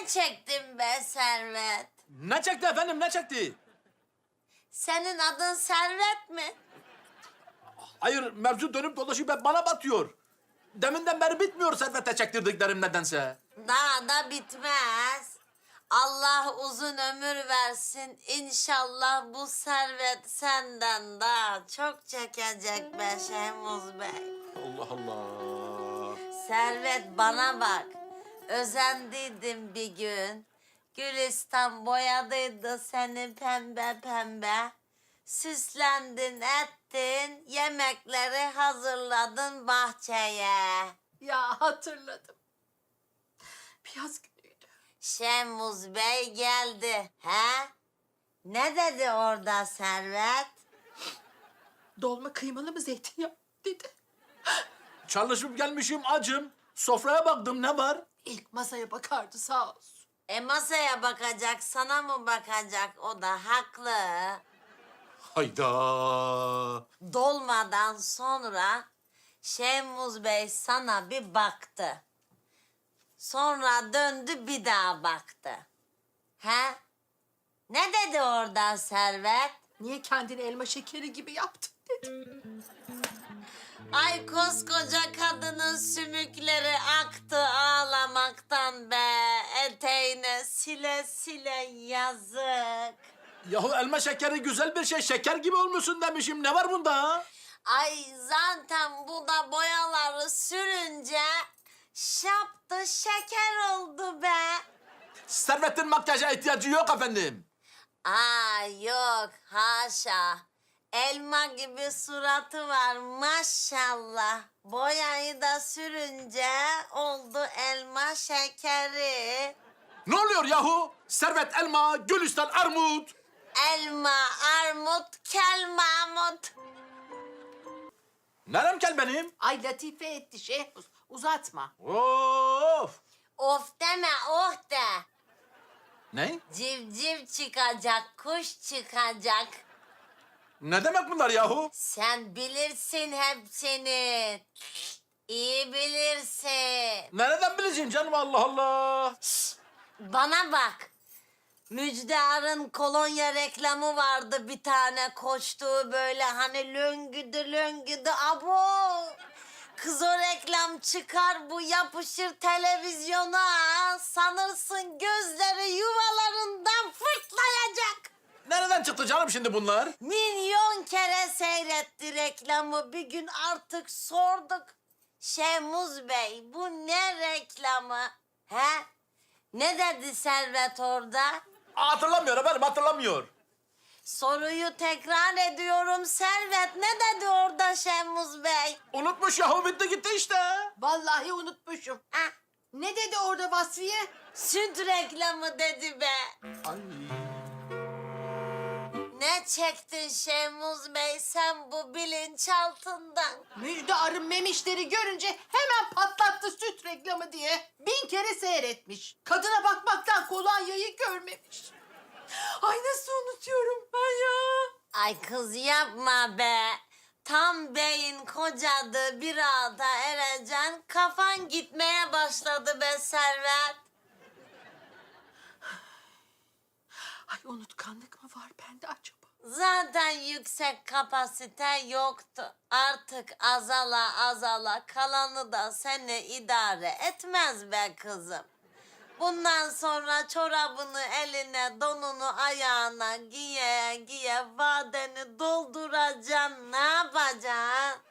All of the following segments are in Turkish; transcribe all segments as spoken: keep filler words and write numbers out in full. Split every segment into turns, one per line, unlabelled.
çektin be Servet?
Ne çekti efendim, ne çekti?
Senin adın Servet mi?
Hayır, mevzu dönüp dolaşıp hep bana batıyor. Deminden beri bitmiyor Servet'e çektirdiklerim nedense.
Daha da bitmez. Allah uzun ömür versin. İnşallah bu Servet senden daha çok çekecek be Şehmuz Bey.
Allah Allah.
Servet bana bak. Özendiydim bir gün. Gülistan boyadıydı seni pembe pembe. Süslendin ettin, yemekleri hazırladın bahçeye.
Ya hatırladım. Bir yaz günüydü.
Şemuz Bey geldi. He? Ne dedi orada Servet?
Dolma kıymalı mı zeytinyağı dedi.
Çalışıp gelmişim acım. Sofraya baktım, ne var?
İlk masaya bakardı sağ olsun.
E masaya bakacak, sana mı bakacak? O da haklı.
Hayda.
Dolmadan sonra Şemuz Bey sana bir baktı. Sonra döndü bir daha baktı. He? Ne dedi orada Servet?
Niye kendini elma şekeri gibi yaptın dedi.
Ay koskoca kadının sümükleri aktı ağlamaktan be. Eteğine sile sile yazık.
Yahu elma şekeri güzel bir şey. Şeker gibi olmuşsun demişim. Ne var bunda?
Ay zaten bu da boyaları sürünce şaptı şeker oldu be.
Servet'in makyaja ihtiyacı yok efendim.
Aa yok haşa. Elma gibi suratı var maşallah. Boyayı da sürünce oldu elma şekeri.
Ne oluyor yahu? Servet elma, Gülistan armut.
Elma, armut, kel Mahmut.
Nerem kel benim?
Ay latife etti Şehmuz. Uzatma.
Of.
Of deme oh de.
Ne?
Civciv çıkacak, kuş çıkacak.
Ne demek bunlar yahu?
Sen bilirsin hepsini. İyi bilirsin.
Nereden bileceksin canım, Allah Allah.
Bana bak. Müjdar'ın kolonya reklamı vardı bir tane koştuğu böyle hani löngüdü löngüdü abo. Kız o reklam çıkar bu yapışır televizyona sanırsın gözleri yuvalarından fırtlayacak.
Nereden çıktı canım şimdi bunlar?
Milyon kere seyretti reklamı bir gün artık sorduk. Şemuz Bey bu ne reklamı? He? Ne dedi Servet orada?
Hatırlamıyor efendim, hatırlamıyor.
Soruyu tekrar ediyorum Servet. Ne dedi orada Şemuz Bey?
Unutmuş yahu, bitti gitti işte.
Vallahi unutmuşum.
Ha,
Ne dedi orada Vasfiye?
süt reklamı dedi be.
Ay.
Ne çektin Şemuz Bey sen bu bilinçaltından?
Müjde arın memişleri görünce hemen patlattı süt reklamı diye. Bin kere seyretmiş. Kadına bakmaktan kolonyayı görmemiş. Ay nasıl unutuyorum ben ya?
Ay kız yapma be. Tam beyin kocadı bir ağda ereceksin. Kafan gitmeye başladı be Servet.
Ay unutkanlık mı var bende acaba?
Zaten yüksek kapasite yoktu. Artık azala azala kalanı da seni idare etmez be kızım. Bundan sonra çorabını eline, donunu ayağına giye giye vadeni dolduracaksın. Ne yapacaksın?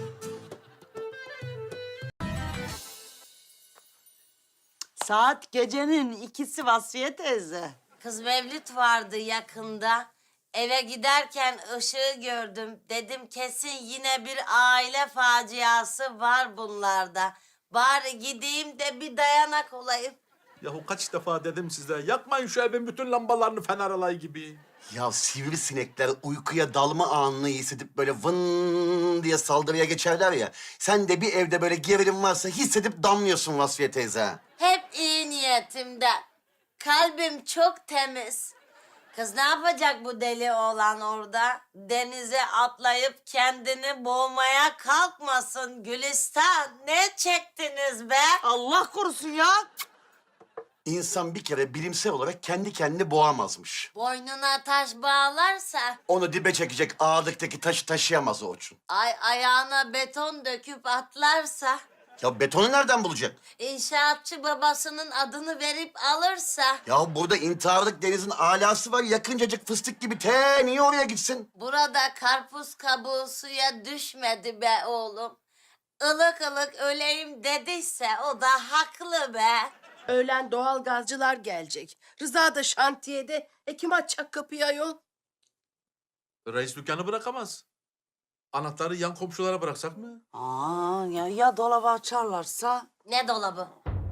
Saat gecenin ikisi Vasfiye teyze.
Kız Mevlüt vardı yakında. Eve giderken ışığı gördüm. Dedim kesin yine bir aile faciası var bunlarda. Bari gideyim de bir dayanak olayım.
Yahu kaç defa dedim size, yakmayın şu evin bütün lambalarını fener alayı gibi.
Ya sivrisinekler uykuya dalma anını hissedip böyle vın diye saldırıya geçerler ya. Sen de bir evde böyle gerilim varsa hissedip damlıyorsun Vasfiye teyze.
Hep iyi niyetimden. Kalbim çok temiz. Kız ne yapacak bu deli oğlan orada? Denize atlayıp kendini boğmaya kalkmasın Gülistan. Ne çektiniz be?
Allah korusun ya.
İnsan bir kere bilimsel olarak kendi kendini boğamazmış.
Boynuna taş bağlarsa,
Onu dibe çekecek ağırlıktaki taşı taşıyamaz Orçun.
ay ayağına beton döküp atlarsa,
Ya betonu nereden bulacak?
inşaatçı babasının adını verip alırsa,
Ya burada intiharlık denizin alası var. Yakıncacık fıstık gibi. Te niye oraya gitsin?
burada karpuz kabuğu suya düşmedi be oğlum. Ilık ılık öleyim dediyse o da haklı be.
Öğlen doğal gazcılar gelecek. Rıza da şantiyede. E kim açacak kapıyı ayol?
Reis dükkanı bırakamaz. Anahtarı yan komşulara bıraksak mı?
Aa ya, ya dolabı açarlarsa?
Ne dolabı?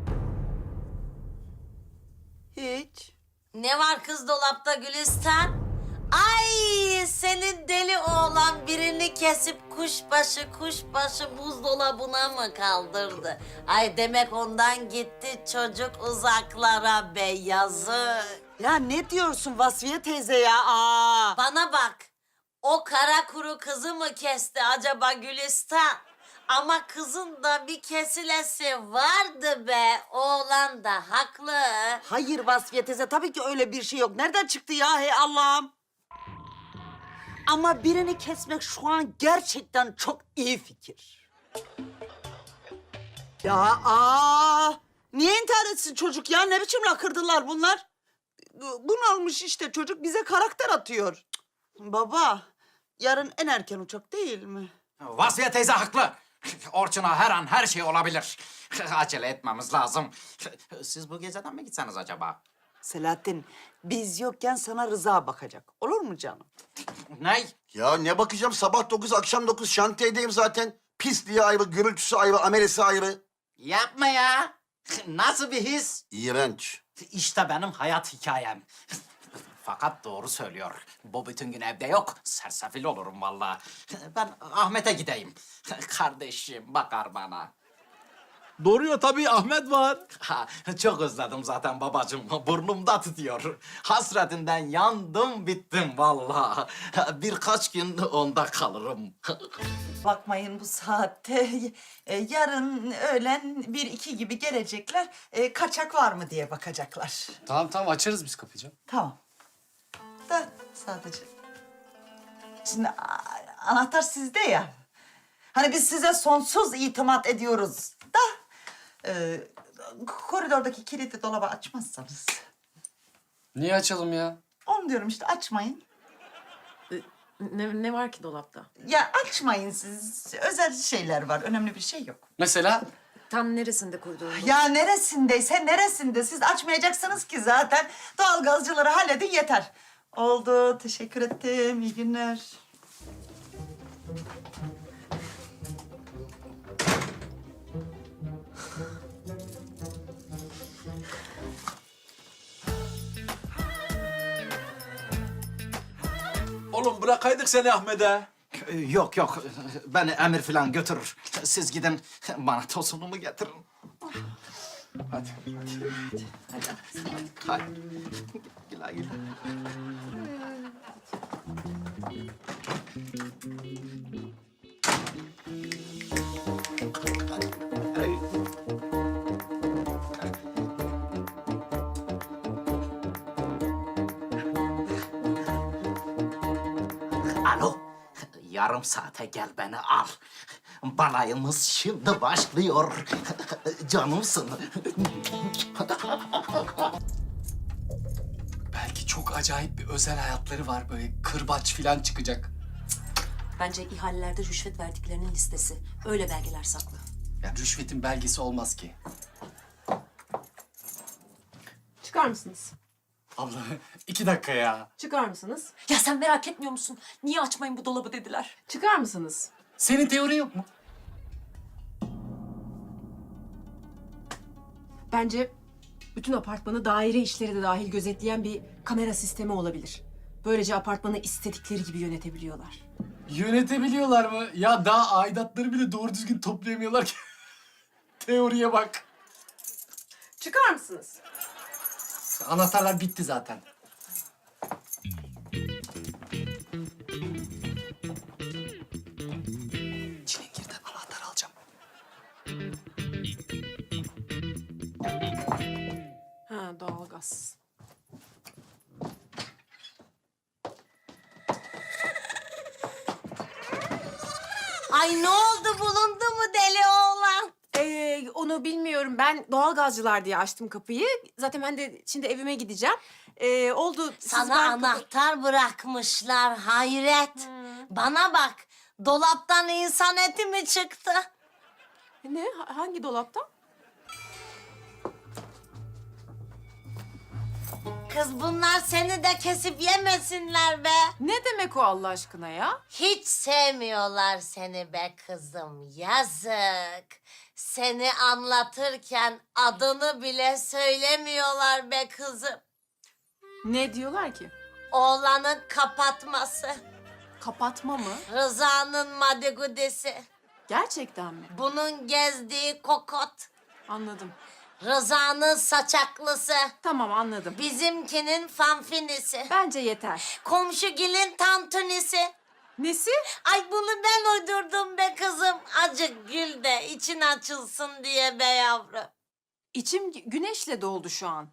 Hiç.
Ne var kız dolapta Gülistan? Ay senin deli oğlan birini kesip kuşbaşı kuşbaşı buzdolabına mı kaldırdı? Ay demek ondan gitti çocuk uzaklara be yazık.
Ya ne diyorsun Vasfiye teyze ya? Aa.
Bana bak, o kara kuru kızı mı kesti acaba Gülistan? Ama kızın da bir kesilesi vardı be. Oğlan da haklı.
Hayır Vasfiye teyze, tabii ki öyle bir şey yok. Nereden çıktı ya hey Allah'ım? Ama birini kesmek şu an gerçekten çok iyi fikir. Ya aa! Niye intihar etsin çocuk ya? Ne biçim lakırdılar bunlar? Bunalmış işte çocuk, bize karakter atıyor. Cık, baba, yarın en erken uçak değil mi?
Vasfiye teyze haklı. Orçun'a her an her şey olabilir. Acele etmemiz lazım. Siz bu geceden mi gitseniz acaba?
Selahattin, biz yokken sana Rıza bakacak. Olur mu canım?
Ney?
Ya ne bakacağım? Sabah dokuz, akşam dokuz şantiyedeyim zaten. Pisliği ayrı, gürültüsü ayrı, amelesi ayrı.
Yapma ya. Nasıl bir his?
İğrenç.
İşte benim hayat hikayem. Fakat doğru söylüyor. Bu bütün gün evde yok. Sersefil olurum vallahi. Ben Ahmet'e gideyim. Kardeşim bakar bana.
Doğru ya tabii Ahmet var.
Ha, çok özledim zaten babacığım. Burnumda tutuyor. Hasretinden yandım bittim vallahi. Birkaç gün onda kalırım.
Bakmayın bu saatte. E, yarın öğlen bir iki gibi gelecekler. E, kaçak var mı diye bakacaklar.
Tamam tamam açarız biz kapıyı canım.
Tamam. Da sadece. Şimdi a- anahtar sizde ya. Hani biz size sonsuz itimat ediyoruz da. E, koridordaki kilitli dolabı açmazsanız.
Niye açalım ya?
Onu diyorum işte, açmayın.
Ne, ne var ki dolapta?
Ya açmayın siz. Özel şeyler var. Önemli bir şey yok.
Mesela
Tam neresinde koridorun?
Ya neresindeyse neresinde. Siz açmayacaksınız ki zaten. Doğalgazcıları halledin yeter. Oldu. Teşekkür ettim. İyi günler.
Oğlum bırakaydık seni Ahmet'e.
Yok yok. Beni emir falan götürür. Siz gidin bana tosunumu getirin. Hadi. Hadi. Hadi. Güle güle. Alo. Yarım saate gel beni al. Balayımız şimdi başlıyor. Canımsın.
belki çok acayip bir özel hayatları var, böyle kırbaç falan çıkacak.
Bence ihalelerde rüşvet verdiklerinin listesi. Öyle belgeler saklı.
Ya rüşvetin belgesi olmaz ki.
Çıkar mısınız?
Abla iki dakika ya.
Çıkar mısınız?
Ya sen merak etmiyor musun? Niye açmayın bu dolabı dediler.
Çıkar mısınız?
Senin teorin yok mu?
Bence bütün apartmanı daire işleri de dahil gözetleyen bir kamera sistemi olabilir. Böylece apartmanı istedikleri gibi yönetebiliyorlar.
Yönetebiliyorlar mı? Ya daha aidatları bile doğru düzgün toplayamıyorlar ki. Teoriye bak.
Çıkar mısınız?
Anahtarlar bitti zaten. Çilingir'den anahtar alacağım.
Ha.
Ha, doğalgaz.
Ay ne oldu, bulundu mu deli oğlan?
Ee, onu bilmiyorum. Ben doğalgazcılar diye açtım kapıyı. Zaten ben de şimdi evime gideceğim. Ee, oldu. Siz
Sana
ben-
anahtar bırakmışlar, hayret. Bana bak, dolaptan insan eti mi çıktı?
Ne? Ha- Hangi dolaptan?
Kız bunlar seni de kesip yemesinler be.
Ne demek o Allah aşkına ya?
Hiç sevmiyorlar seni be kızım, yazık. Seni anlatırken adını bile söylemiyorlar be kızım.
Ne diyorlar ki?
Oğlanın kapatması,
Kapatma mı?
Rıza'nın madigudesi,
Gerçekten mi?
bunun gezdiği kokot,
Anladım.
Rıza'nın saçaklısı,
Tamam anladım.
bizimkinin fanfinisi,
Bence yeter.
komşugilin tantunisi.
Nesi?
Ay bunu ben uydurdum be kızım. Acık gül de için açılsın diye be yavrum.
İçim gü- güneşle doldu şu an.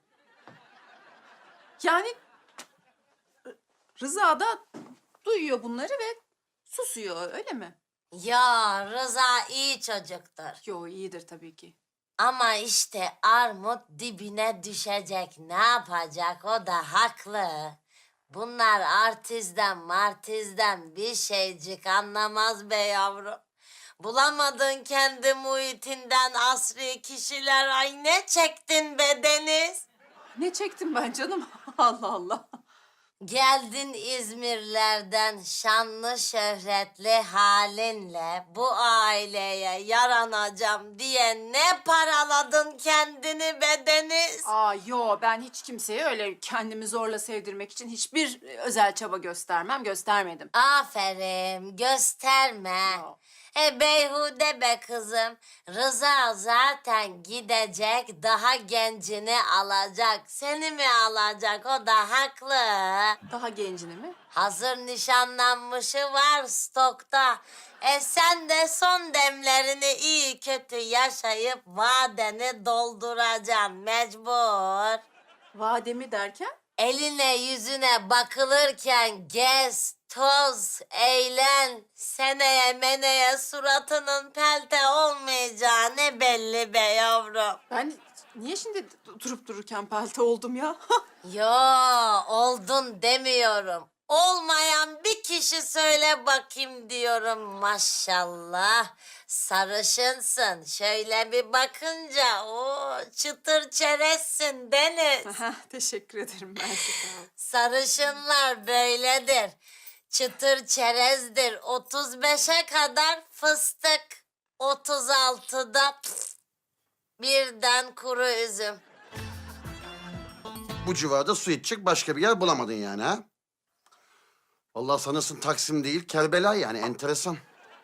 Yani R- Rıza da duyuyor bunları ve susuyor öyle mi?
Ya Rıza iyi çocuktur.
Yo iyidir tabii ki.
Ama işte armut dibine düşecek. Ne yapacak, o da haklı. Bunlar artizden martizden bir şeycik anlamaz be yavrum. Bulamadın kendi muhitinden asri kişiler. Ay ne çektin be Deniz.
Ne çektim ben canım? Allah Allah.
Geldin İzmirlerden şanlı şöhretli halinle bu aileye yaranacağım diye ne paraladın kendini be Deniz.
Aa yo ben hiç kimseye öyle kendimi zorla sevdirmek için hiçbir özel çaba göstermem, göstermedim.
Aferin, gösterme.
Yo.
E beyhude be kızım. Rıza zaten gidecek, daha gencini alacak. Seni mi alacak, o da haklı.
Daha gencini mi?
Hazır nişanlanmışı var stokta. E sen de son demlerini iyi kötü yaşayıp vadeni dolduracaksın mecbur.
Vademi derken?
Eline yüzüne bakılırken gez, toz, eğlen. Seneye meneye suratının pelte olmayacağı ne belli be yavrum.
Ben niye şimdi durup dururken pelte oldum ya?
Yo, oldun demiyorum. Olmayan bir kişi söyle bakayım diyorum maşallah. Sarışınsın. Şöyle bir bakınca o çıtır çerezsin Deniz.
Teşekkür ederim ben size.
Sarışınlar böyledir. Çıtır çerezdir. otuz beşe kadar fıstık. otuz altıda pf, birden kuru üzüm.
Bu civarda su içecek başka bir yer bulamadın yani ha? Vallahi sanırsın Taksim değil, Kerbela yani enteresan.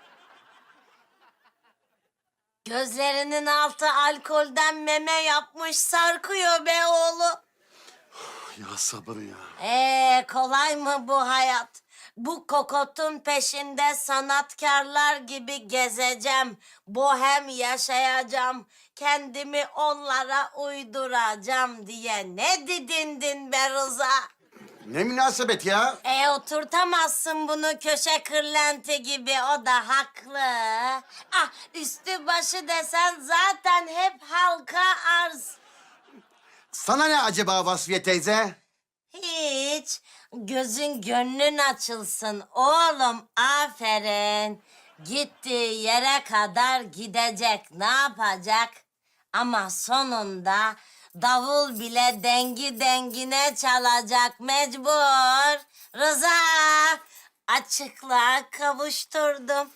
Gözlerinin altı alkolden meme yapmış sarkıyor be oğlum.
Ya sabır ya.
Ee, kolay mı bu hayat? Bu kokotun peşinde sanatkarlar gibi gezeceğim. Bohem yaşayacağım. Kendimi onlara uyduracağım diye ne didindin be Rıza?
Ne münasebet ya?
E oturtamazsın bunu köşe kırlenti gibi, o da haklı. Ah üstü başı desen zaten hep halka arz.
Sana ne acaba Vasfiye teyze?
Hiç. Gözün gönlün açılsın oğlum, aferin. Gittiği yere kadar gidecek, ne yapacak? Ama sonunda davul bile dengi dengine çalacak mecbur. Rıza, açıklığa kavuşturdum.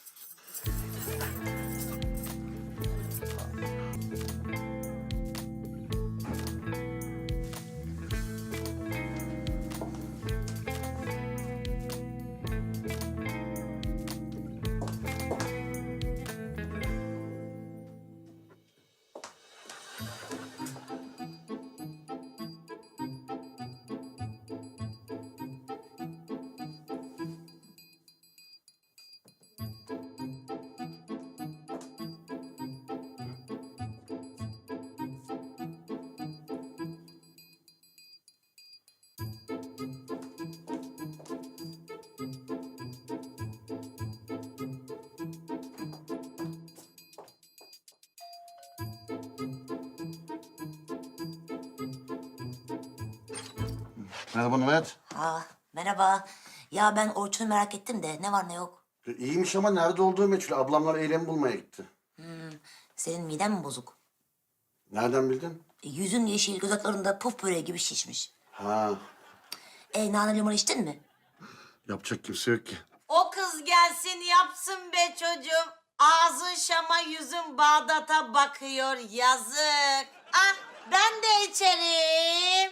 Merhaba Mehmet.
Aa, merhaba. Ya ben Orçun'u merak ettim de ne var ne yok.
E, İyiymiş ama nerede olduğu meçhul. Ablamlar eylemi bulmaya gitti.
Senin miden mi bozuk?
Nereden bildin?
E, yüzün yeşil, dudaklarında puf böreği gibi şişmiş.
Ha,
E, nane limon içtin mi?
yapacak kimse yok ki.
O kız gelsin yapsın be çocuğum. Ağzın Şam'a yüzün Bağdat'a bakıyor yazık. Ah ben de içerim.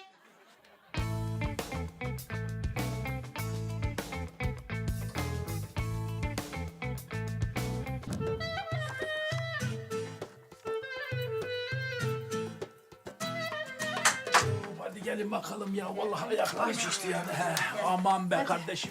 Hadi gelin bakalım ya. Vallahi ayaklarım şişti yani. He, aman be kardeşim.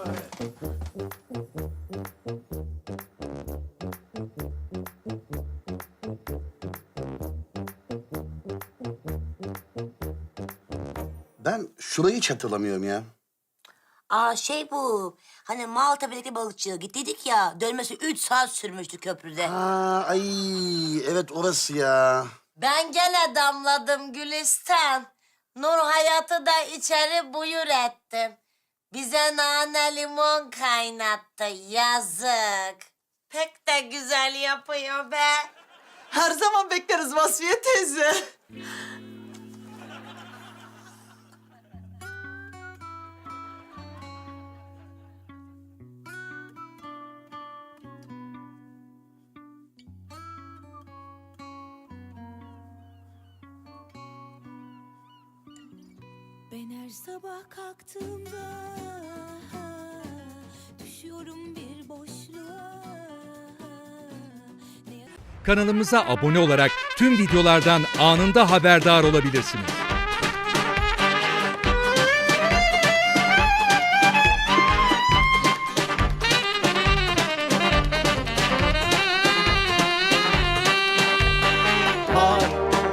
Ben şurayı hiç hatırlamıyorum ya.
Aa şey bu. Hani Maltepe'deki balıkçıya gittiydik ya. Dönmesi üç saat sürmüştü köprüde.
Ha, ay evet orası ya.
Ben gene damladım Gülistan. Nur Hayat'ı da içeri buyur ettim. Bize nane limon kaynattı yazık. Pek de güzel yapıyor be.
Her zaman bekleriz Vasfiye teyze.
Ben her sabah kalktığımda düşüyorum bir boşluğa.
Kanalımıza abone olarak tüm videolardan anında haberdar olabilirsiniz.